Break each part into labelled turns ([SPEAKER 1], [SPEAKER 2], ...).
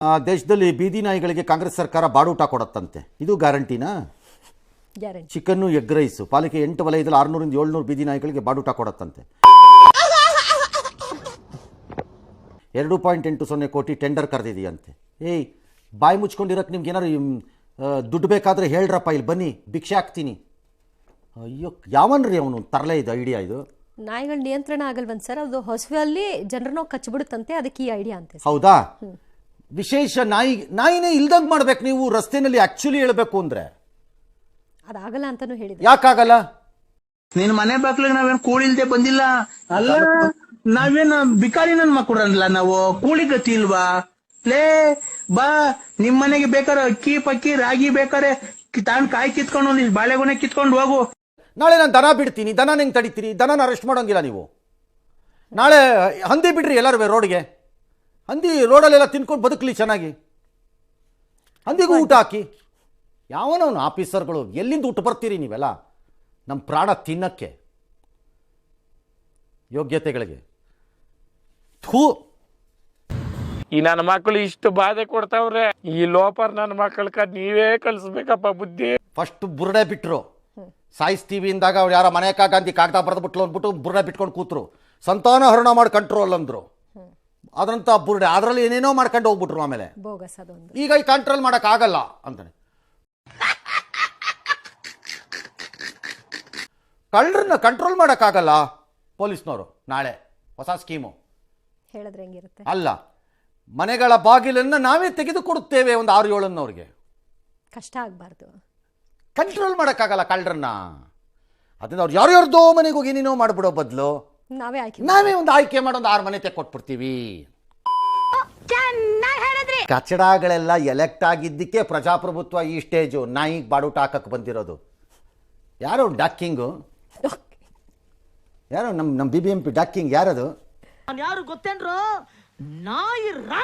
[SPEAKER 1] ದೇಶದಲ್ಲಿ ಬೀದಿ ನಾಯಿಗಳಿಗೆ ಕಾಂಗ್ರೆಸ್ ಸರ್ಕಾರ ಬಾಡೂಟ ಕೊಡತ್ತಂತೆ, ಇದು ಗ್ಯಾರಂಟಿನಾ?
[SPEAKER 2] ಗ್ಯಾರಂಟಿ.
[SPEAKER 1] ಚಿಕನ್ನು ಎಗ್ ರೈಸು ಪಾಲಿಕೆ 8 ವಲಯದಲ್ಲಿ 600ರಿಂದ 700 ಬೀದಿ ನಾಯಿಗಳಿಗೆ ಬಾಡೂಟ ಕೊಡತ್ತಂತೆ. 2.80 ಕೋಟಿ ಟೆಂಡರ್ ಕರೆದಿದೆಯಂತೆ. ಏಯ್, ಬಾಯಿ ಮುಚ್ಕೊಂಡಿರೋಕ್ಕೆ ನಿಮ್ಗೆ ಏನಾರು ದುಡ್ಡು ಬೇಕಾದರೆ ಹೇಳ್ರಪ್ಪ, ಇಲ್ಲಿ ಬನ್ನಿ ಭಿಕ್ಷೆ ಹಾಕ್ತೀನಿ. ಅಯ್ಯೋ, ಯಾವನ್ರಿ ಅವನು ತರಲೇ ಇದು ಐಡಿಯಾ? ಇದು
[SPEAKER 2] ನಾಯಿಗಳ ನಿಯಂತ್ರಣ ಆಗಲ್ವಂತ ಸರ್, ಅದು ಹಸುವಲ್ಲಿ ಜನರನ್ನ ಕಚ್ಚಿಬಿಡುತ್ತಂತೆ, ಅದಕ್ಕೆ ಈ ಐಡಿಯಾ ಅಂತೆ.
[SPEAKER 1] ಹೌದಾ? ವಿಶೇಷ ನಾಯಿನೇ ಇಲ್ದಂಗೆ ಮಾಡ್ಬೇಕು ನೀವು ರಸ್ತೆನಲ್ಲಿ. ಆಕ್ಚುಲಿ ಹೇಳ್ಬೇಕು ಅಂದ್ರೆ
[SPEAKER 2] ಅದಾಗಲ್ಲ ಅಂತಾನು ಹೇಳಿದ್ರು.
[SPEAKER 1] ಯಾಕಾಗಲ್ಲ?
[SPEAKER 3] ನಿನ್ ಮನೆ ಬಾಗ್ಲಿಗೆ ನಾವೇನ್ ಕೂಲಿ ಇಲ್ದೆ ಬಂದಿಲ್ಲ ಅಲ್ಲ, ನಾವೇನ್ ಬಿಕಾರಿ ನನ್ ಮಕ್ಕಳಲ್ಲ, ನಾವು ಕೂಲಿ ಗತಿ ಇಲ್ವಾ? ಲೇ ಬಾ, ನಿಮ್ ಮನೆಗೆ ಬೇಕಾರೆ ಅಕ್ಕಿ ಪಕ್ಕಿ ರಾಗಿ ಬೇಕಾರೆ ತಾಂಡ್ ಕಾಯಿ ಕಿತ್ಕೊಂಡು ಇಲ್ಲಿ ಬಾಳೆಗೊನೆ ಕಿತ್ಕೊಂಡು ಹೋಗು.
[SPEAKER 1] ನಾಳೆ ನಾನು ದನ ಬಿಡ್ತೀನಿ, ದನ ಹೆಂಗೆ ತಡಿತೀರಿ? ದನನ ಅರೆಸ್ಟ್ ಮಾಡೋಂಗಿಲ್ಲ ನೀವು. ನಾಳೆ ಹಂದಿ ಬಿಡ್ರಿ ಎಲ್ಲರೂ ರೋಡ್ಗೆ, ಹಂದಿ ರೋಡಲ್ಲೆಲ್ಲ ತಿನ್ಕೊಂಡು ಬದುಕಲಿ ಚೆನ್ನಾಗಿ, ಹಂದಿಗೂ ಊಟ ಹಾಕಿ. ಯಾವನವನು ಆಫೀಸರ್ಗಳು, ಎಲ್ಲಿಂದ ಊಟ ಬರ್ತೀರಿ ನೀವೆಲ್ಲ ನಮ್ಮ ಪ್ರಾಣ ತಿನ್ನಕ್ಕೆ? ಯೋಗ್ಯತೆಗಳಿಗೆ ಥೂ.
[SPEAKER 4] ಈ ನನ್ನ ಮಕ್ಕಳು ಇಷ್ಟು ಬಾಧೆ ಕೊಡ್ತಾವ್ರೆ, ಈ ಲೋಪರ್ ನನ್ನ ಮಕ್ಕಳ ನೀವೇ ಕಲಿಸ್ಬೇಕಪ್ಪ ಬುದ್ಧಿ.
[SPEAKER 1] ಫಸ್ಟ್ ಬುರ್ಡೆ ಬಿಟ್ರು, ಸಾಯಿಸ್ತೀವಿ ಇಂದಾಗ ಅವ್ರು ಯಾರ ಮನೆ ಗಾಂಧಿ ಕಾಗದ ಬರೆದ್ಬಿಟ್ಲು ಅಂದ್ಬಿಟ್ಟು ಬುರ್ಡೆ ಬಿಟ್ಕೊಂಡು ಕೂತ್ರು. ಸಂತಾನ ಹರಣ ಮಾಡಿ ಕಂಟ್ರೋಲ್ ಅಂದರು, ಅದ್ರಂತ ಬುರ್ಡೆ ಅದರಲ್ಲಿ ಏನೇನೋ ಮಾಡ್ಕೊಂಡು ಹೋಗ್ಬಿಟ್ರು. ಆಮೇಲೆ ಈಗ ಈ ಕಂಟ್ರೋಲ್ ಮಾಡೋಕ್ಕಾಗಲ್ಲ ಅಂತಾನೆ. ಕಳ್ಳರನ್ನ ಕಂಟ್ರೋಲ್ ಮಾಡೋಕ್ಕಾಗಲ್ಲ ಪೊಲೀಸ್ನವರು. ನಾಳೆ ಹೊಸ ಸ್ಕೀಮು
[SPEAKER 2] ಹೇಳಿದ್ರೆ ಹೆಂಗಿರುತ್ತೆ?
[SPEAKER 1] ಅಲ್ಲ, ಮನೆಗಳ ಬಾಗಿಲನ್ನು ನಾವೇ ತೆಗೆದು ಕೊಡುತ್ತೇವೆ, ಒಂದು 6-7 ಅವ್ರಿಗೆ.
[SPEAKER 2] ಕಷ್ಟ ಆಗಬಾರ್ದು,
[SPEAKER 1] ಕಂಟ್ರೋಲ್ ಮಾಡೋಕ್ಕಾಗಲ್ಲ ಕಳ್ಳರನ್ನ. ಅದನ್ನ ಅವ್ರು ಯಾರ್ಯಾರ್ದೋ ಮನೆಗೆ ಹೋಗಿ ಏನೇನೋ ಮಾಡಿಬಿಡೋ ಬದಲು ನಾವೇ ಒಂದು ಆಯ್ಕೆ ಮಾಡೋ 6 ಮನೆ ತೆಕ್ಕೊಟ್ಬಿಡ್ತೀವಿ. ಕಚಡಗಳೆಲ್ಲ ಎಲೆಕ್ಟ್ ಆಗಿದ್ದಕ್ಕೆ ಪ್ರಜಾಪ್ರಭುತ್ವ ಈ ಸ್ಟೇಜು. ನಾಯಿಗೆ ಬಾಡೂಟ ಹಾಕಕ್ಕೆ ಬಂದಿರೋದು ಯಾರು? ಡಾಕಿಂಗು ಯಾರು? ನಮ್ಮ BBMP ಡಾಕಿಂಗ್ ಯಾರದು?
[SPEAKER 5] ಯಾರು ಗೊತ್ತೇನ್ರು? ನಾಯಿ ರಾಣ.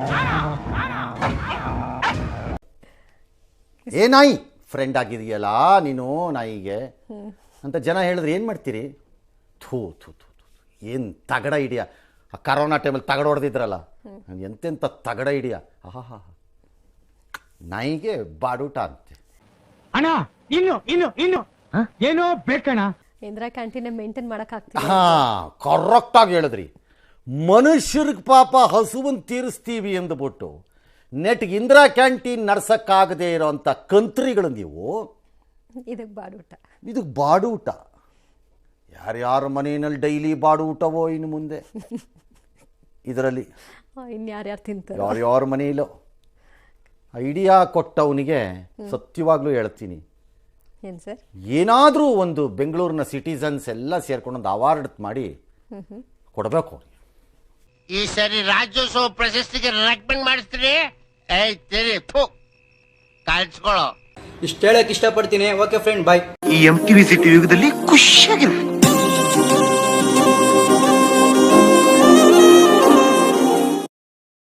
[SPEAKER 1] ಏ ನಾಯಿ ಫ್ರೆಂಡ್ ಆಗಿದೆಯಲ್ಲ ನೀನು ನಾಯಿಗೆ ಅಂತ ಜನ ಹೇಳಿದ್ರೆ ಏನು ಮಾಡ್ತೀರಿ? ಥೂ ಥೂ ಥೂ ಥೂ, ಏನು ತಗಡ ಹಿಡಿಯ. ಆ ಕರೋನಾ ಟೈಮಲ್ಲಿ ತಗಡ ಹೊಡೆದಿದ್ರಲ್ಲ, ಎಂತೆಂಥ ತಗಡ ಹಿಡಿಯ. ಆಹಾ, ನಾಯಿಗೆ ಬಾಡೂಟ ಅಂತೆ.
[SPEAKER 5] ಅಣ್ಣ ಇನ್ನು ಇನ್ನು ಇನ್ನು ಏನೋ ಬೇಕಣ್ಣ.
[SPEAKER 2] ಇಂದಿರಾ ಕ್ಯಾಂಟೀನ್ ಮೇಂಟೈನ್ ಮಾಡಕ್ ಆಗ್ತಿಲ್ಲ.
[SPEAKER 1] ಕರೆಕ್ಟಾಗಿ ಹೇಳಿದ್ರಿ. ಮನುಷ್ಯರಿಗೆ ಪಾಪ ಹಸುವನ್ನು ತೀರಿಸ್ತೀವಿ ಅಂದ್ಬಿಟ್ಟು ನೆಟ್ಗೆ ಇಂದಿರಾ ಕ್ಯಾಂಟೀನ್ ನಡ್ಸಕ್ಕಾಗದೇ ಇರೋಂಥ ಕಂತ್ರಿಗಳು ನೀವು. ಇದಕ್ಕೆ ಬಾಡೂಟ. ಯಾರ್ಯಾರ ಮನೆಯಲ್ಲಿ ಡೈಲಿ ಬಾಡೂಟವೋ ಇನ್ನು ಮುಂದೆ ಇದರಲ್ಲಿ
[SPEAKER 2] ಇನ್ಯಾರ್ಯಾರು ತಿಂತಾರೆ?
[SPEAKER 1] ಯಾರ್ಯಾರ ಮನೆಯಲ್ಲೋ. ಐಡಿಯಾ ಕೊಟ್ಟವನಿಗೆ ಸತ್ಯವಾಗ್ಲೂ ಹೇಳ್ತೀನಿ,
[SPEAKER 2] ಏನು ಸರ್,
[SPEAKER 1] ಏನಾದರೂ ಒಂದು ಬೆಂಗಳೂರಿನ ಸಿಟಿಸನ್ಸ್ ಎಲ್ಲ ಸೇರ್ಕೊಂಡು ಒಂದು ಅವಾರ್ಡ್ ಮಾಡಿ ಕೊಡಬೇಕು ಅವ್ರಿಗೆ.
[SPEAKER 6] ಈ ಸರಿ ರಾಜ್ಯೋತ್ಸವ ಪ್ರಶಸ್ತಿಗೆ ರೆಕಮೆಂಡ್ ಮಾಡಿಸ್ತೀರಿ? ಕಾಣಿಸ್ಕೊಳ್ಳೋ.
[SPEAKER 7] ಇಷ್ಟು ಹೇಳಕ್ ಇಷ್ಟಪಡ್ತೀನಿ. Okay friend, bye.
[SPEAKER 3] ಈ MTV ಸಿಟಿ ಯುಗದಲ್ಲಿ ಖುಷಿಯಾಗಿರ್ಬೇಕು.